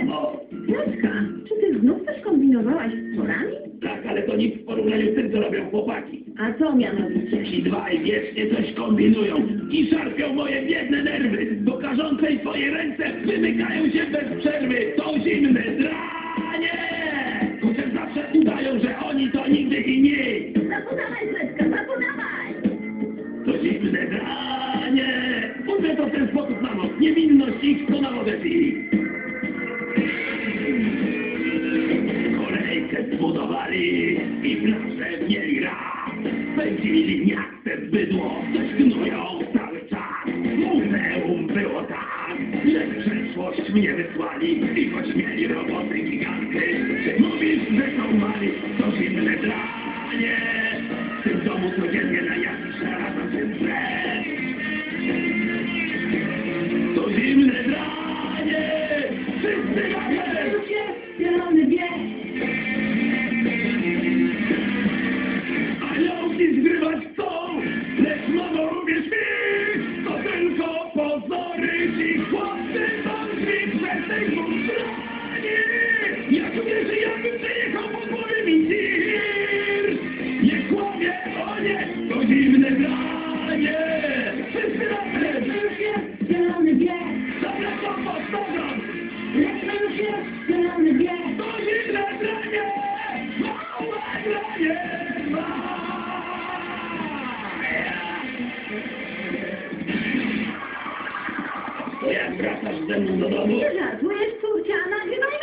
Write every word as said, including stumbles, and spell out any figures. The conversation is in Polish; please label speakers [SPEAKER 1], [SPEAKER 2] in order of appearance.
[SPEAKER 1] samo.
[SPEAKER 2] Piotrka, czy ty znów coś kombinowałaś z porami?
[SPEAKER 1] Tak, ale to nic w porównaniu z tym, co robią chłopaki.
[SPEAKER 2] A co mianowicie?
[SPEAKER 1] Ci dwaj wiecznie coś kombinują i szarpią moje biedne nerwy. Do karzącej twoje ręce wymykają się bez przerwy. To zimne dranie! Chociaż zawsze udają, że oni to nigdy i nie.
[SPEAKER 2] Zapudawaj, Piotrka, zapudawaj!
[SPEAKER 1] To zimne dranie! Mówię to w ten sposób, mamo. Niewinność ich to na wodę pili. Kolejkę zbudowali i plażę mieli raz. Pędzili miaste bydło, coś gnują cały czas. Muzeum było tak, że w przeszłość mnie wysłali i choć mieli roboty giganty, mówisz, że są mali, to zimne dranie. W tym domu codziennie na jakiś razem się stres. To zimne dranie, wszyscy razem.
[SPEAKER 2] Już jest zielony bieg!
[SPEAKER 1] Aniołki zgrywać chcą, lecz mamo uwierz mi, to tylko pozory, ci chłopcy są drzwi przez tej strony. Jak uwierzy, jakbym przejechał po głowie mi tir. Nie kłamie, o nie, to zimne granie. Wszyscy razem.
[SPEAKER 2] Już jest zielony bieg!
[SPEAKER 1] Dobra, to powtarzam.
[SPEAKER 2] Lecz już jest zielony bieg!
[SPEAKER 1] To zimne granie, małe granie, małe. Jak wracasz ze mną do domu?
[SPEAKER 2] Nie żartujesz, córcia, nagrywaj